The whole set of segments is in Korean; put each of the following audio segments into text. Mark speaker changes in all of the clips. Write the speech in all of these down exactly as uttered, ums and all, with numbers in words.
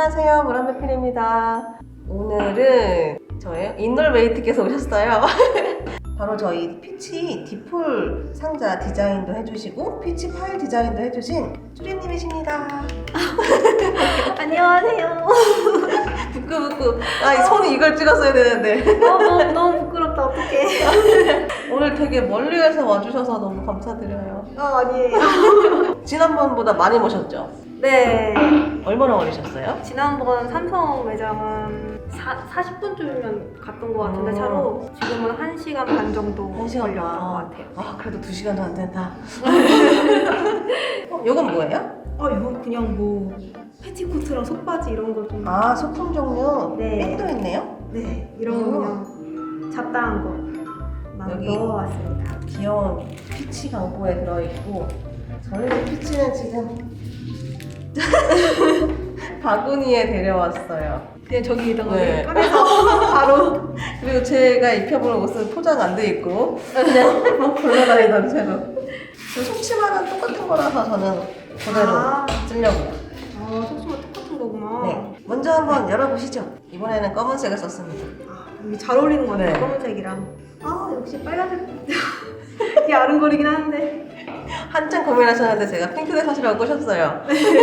Speaker 1: 안녕하세요, 무람대필입니다. 오늘은 저예요? 인널웨이트께서 오셨어요. 바로 저희 피치 디폴 상자 디자인도 해주시고 피치 파일 디자인도 해주신 수리님이십니다.
Speaker 2: 안녕하세요.
Speaker 1: 부끄부끄. 아, 이 손이 이걸 찍었어야 되는데.
Speaker 2: 어, 너무, 너무 부끄럽다. 어떡해.
Speaker 1: 오늘 되게 멀리에서 와주셔서 너무 감사드려요.
Speaker 2: 아, 아니에요.
Speaker 1: 지난번보다 많이 모셨죠?
Speaker 2: 네.
Speaker 1: 얼마나 걸리셨어요?
Speaker 2: 지난번 삼성 매장은 사, 사십 분쯤이면 갔던 것 같은데
Speaker 1: 음.
Speaker 2: 차로 지금은 한 시간 반 정도
Speaker 1: 한 시간
Speaker 2: 걸렸던
Speaker 1: 반.
Speaker 2: 것 같아요.
Speaker 1: 아, 그래도 두 시간도 안 된다. 어, 이건 뭐예요?
Speaker 2: 아, 이거 그냥 뭐 패티코트랑 속바지 이런 거 좀.
Speaker 1: 아, 소품 종류?
Speaker 2: 네.
Speaker 1: 백도 있네요?
Speaker 2: 네. 이런 거 그냥 잡다한 거
Speaker 1: 여기.
Speaker 2: 넣어왔습니다.
Speaker 1: 귀여운 피치 광고에 들어있고 저희 피치는 지금 바구니에 데려왔어요.
Speaker 2: 그냥 저기 있던 거
Speaker 1: 네.
Speaker 2: 꺼내서 바로.
Speaker 1: 그리고 제가 입혀볼 옷은 포장 안 돼 있고 그냥 막 굴러다니던 채로. 그 속치마는 똑같은 거라서 저는 그대로
Speaker 2: 아.
Speaker 1: 쓰려고요.
Speaker 2: 아, 속치마 똑같은 거구나.
Speaker 1: 네, 먼저 한번 열어보시죠. 이번에는 검은색을 썼습니다.
Speaker 2: 아, 이게 잘 어울리는 것 같아요.
Speaker 1: 네.
Speaker 2: 검은색이랑. 아, 역시 빨간색. 이게 아른거리긴 하는데.
Speaker 1: 한참 고민하셨는데 제가 핑크색 사시라고 꼬셨어요.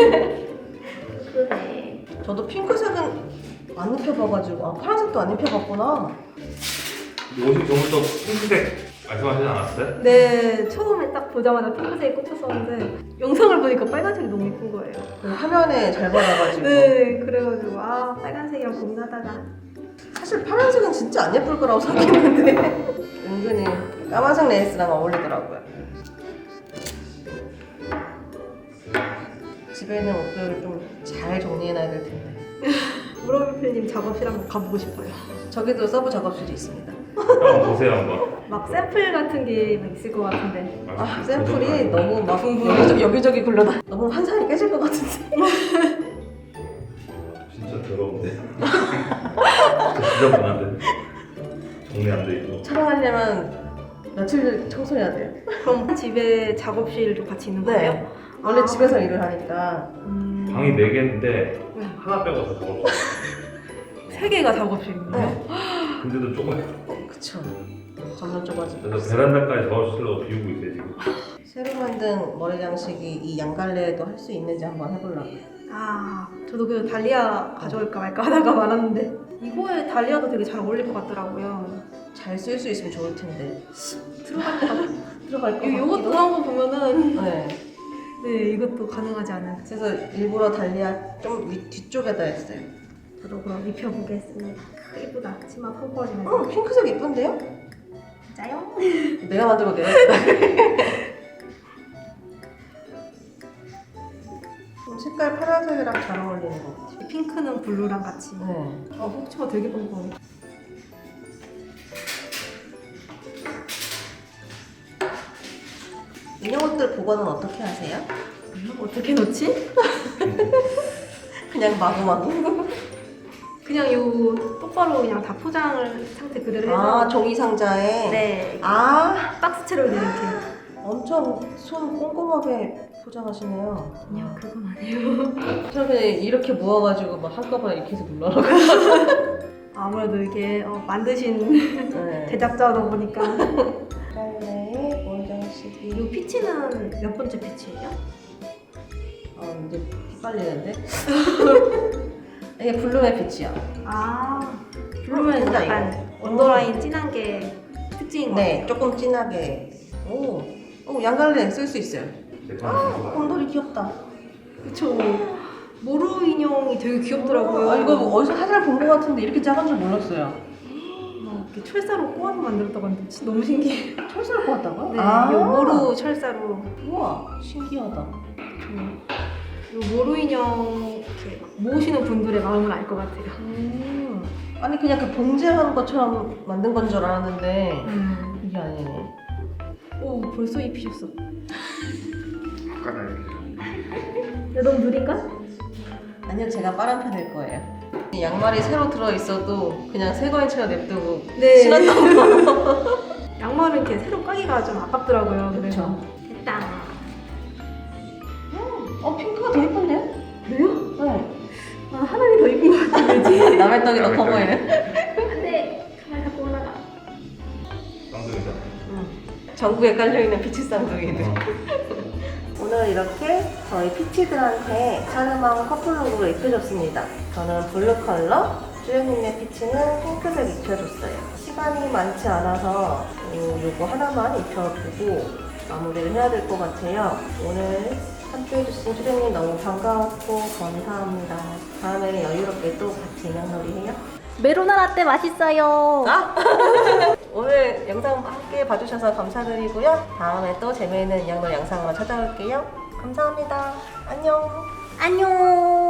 Speaker 2: 그러네.
Speaker 1: 저도 핑크색은 안 입혀봐가지고 아, 파란색도 안 입혀봤구나.
Speaker 3: 옷이 저부터 핑크색 말씀하시지 않았어요?
Speaker 2: 네, 처음에 딱 보자마자 핑크색이 꽂혔었는데 영상을 보니까 빨간색이 너무 예쁜 거예요.
Speaker 1: 그 화면에 잘 받아가지고.
Speaker 2: 네, 그래가지고 아, 빨간색이랑 고민하다가
Speaker 1: 사실 파란색은 진짜 안 예쁠 거라고 생각했는데 은근히 까만색 레이스랑 어울리더라고요. 집에 있는 옷들을 좀 잘 정리해놔야 될 텐데.
Speaker 2: 무럼이필님 작업실 한번 가보고 싶어요.
Speaker 1: 저기도 서브 작업실이 있습니다.
Speaker 3: 한번 보세요 한번.
Speaker 2: 막 샘플 같은 게 막 있을 것 같은데.
Speaker 1: 아, 샘플이 너무 막 여기저기, 여기저기 굴러다. 너무 환상이 깨질 것 같은데.
Speaker 3: 진짜 더러운데. 진짜 지저분한데. 정리 안 돼 있고.
Speaker 1: 촬영하려면 며칠 청소해야 돼요.
Speaker 2: 그럼 집에 작업실도 같이 있는 거예요?
Speaker 1: 네. 원래
Speaker 2: 아.
Speaker 1: 집에서 일을 하니까.
Speaker 2: 음...
Speaker 3: 방이 네 개인데
Speaker 2: 네.
Speaker 3: 하나 빼고 다 작업실.
Speaker 2: 세 개가 작업실인가요?
Speaker 1: 네.
Speaker 3: 근데도 조금.
Speaker 1: 어, 그쵸. 점점 좁아지고.
Speaker 3: 그래서 베란다까지 작업실로 비우고 있어요 지금.
Speaker 1: 새로 만든 머리 장식이 이 양갈래에도 할 수 있는지 한번 해보려고요.
Speaker 2: 아, 저도 그 달리아 가져올까 말까 하다가 말았는데 이거에 달리아도 되게 잘 어울릴 것 같더라고요.
Speaker 1: 잘 쓸 수 있으면 좋을 텐데.
Speaker 2: 들어갈 것 같아요.
Speaker 1: 들어갈 것
Speaker 2: 이-
Speaker 1: 같기도.
Speaker 2: 이것도 한 거 보면은
Speaker 1: 네.
Speaker 2: 네, 이것도 가능하지 않을까.
Speaker 1: 그래서 일부러 달리아 좀 위, 뒤쪽에다 했어요.
Speaker 2: 저도 그럼 입혀보겠습니다. 예쁘다. 치마 푹 퍼지면서.
Speaker 1: 어, 핑크색 예쁜데요?
Speaker 2: 진짜요?
Speaker 1: 내가 만들고 내가 좀 색깔 파란색이랑 잘 어울리는 것 같아요.
Speaker 2: 핑크는 블루랑 같이.
Speaker 1: 네.
Speaker 2: 아, 혹치마 되게 뻔뻔해.
Speaker 1: 인형 옷들 보관은 어떻게 하세요?
Speaker 2: 어떻게 넣지?
Speaker 1: 그냥 마구마구.
Speaker 2: 그냥 요 똑바로 그냥 다 포장을 상태 그대로 해서.
Speaker 1: 아, 종이 상자에.
Speaker 2: 네.
Speaker 1: 아,
Speaker 2: 박스채로 이렇게.
Speaker 1: 엄청 손 꼼꼼하게 포장하시네요.
Speaker 2: 아니요, 그건 아니에요.
Speaker 1: 저는 그냥 이렇게 모아가지고 막 한꺼번에 이렇게 해서 눌러라고.
Speaker 2: 아무래도 이게 어, 만드신
Speaker 1: 네.
Speaker 2: 제작자다 보니까.
Speaker 1: 갈래의 원장식이.
Speaker 2: 이 피치는 몇 번째 피치예요?
Speaker 1: 어, 이제 피 빨리는데? 이게 블룸의 빛이야.
Speaker 2: 아, 블루면
Speaker 1: 진짜
Speaker 2: 약간
Speaker 1: 이거.
Speaker 2: 언더라인 진한 게 특징인 것
Speaker 1: 네,
Speaker 2: 같아요.
Speaker 1: 조금 진하게. 오, 오 양갈래 쓸 수 있어요. 아, 곰돌이 귀엽다.
Speaker 2: 그쵸. 모루 인형이 되게 귀엽더라고요.
Speaker 1: 아, 이거 어디서 사진을 본 것 같은데 이렇게 작은 줄 몰랐어요.
Speaker 2: 막 이렇게 철사로 꼬아서 만들었다고 하는데 진짜 너무 신기해.
Speaker 1: 철사를 뽑았다고요?
Speaker 2: 네,
Speaker 1: 아,
Speaker 2: 요 모루 철사로.
Speaker 1: 우와, 신기하다.
Speaker 2: 요 모루 인형 이렇게 막 모으시는 분들의 마음을 알 것 같아요.
Speaker 1: 음, 아니 그냥 그 봉제한 것처럼 만든 건 줄 알았는데
Speaker 2: 음.
Speaker 1: 이게 아니네.
Speaker 2: 오, 벌써 입히셨어.
Speaker 3: 아까는 이렇게.
Speaker 2: 야, 너무 느린가?
Speaker 1: 아니요, 제가 빠른 편일 거예요. 이 양말이 새로 들어있어도 그냥 새 거인 채로 냅두고
Speaker 2: 네.
Speaker 1: 신었던 거.
Speaker 2: 양말은 이렇게 새로 까기가 좀 아깝더라고요. 그래서.
Speaker 1: 그쵸.
Speaker 2: 됐다.
Speaker 1: 어, 핑크가 더 예쁜데요?
Speaker 2: 왜요?
Speaker 1: 네.
Speaker 2: 아, 하나님
Speaker 1: 야매떡이 더 커
Speaker 3: 야매떡이.
Speaker 1: 보이네.
Speaker 2: 안돼 가만히 갖고 올라가.
Speaker 3: 쌍둥이다.
Speaker 1: 음. 전구에 깔려있는 피치 쌍둥이들. 오늘 이렇게 저희 피치들한테 샤르망 커플룩으로 입혀줬습니다. 저는 블루 컬러, 쭈연님의 피치는 핑크색 입혀줬어요. 시간이 많지 않아서 요, 요거 하나만 입혀보고 마무리를 해야 될 것 같아요. 오늘 함께 해주신 쭈연님 너무 반가웠고 감사합니다. 다음에는 여유롭게 또 같이 인형놀이 해요.
Speaker 2: 메로나 라떼 맛있어요.
Speaker 1: 아! 오늘 영상 함께 봐주셔서 감사드리고요. 다음에 또 재미있는 인형놀이 영상으로 찾아올게요. 감사합니다. 안녕.
Speaker 2: 안녕.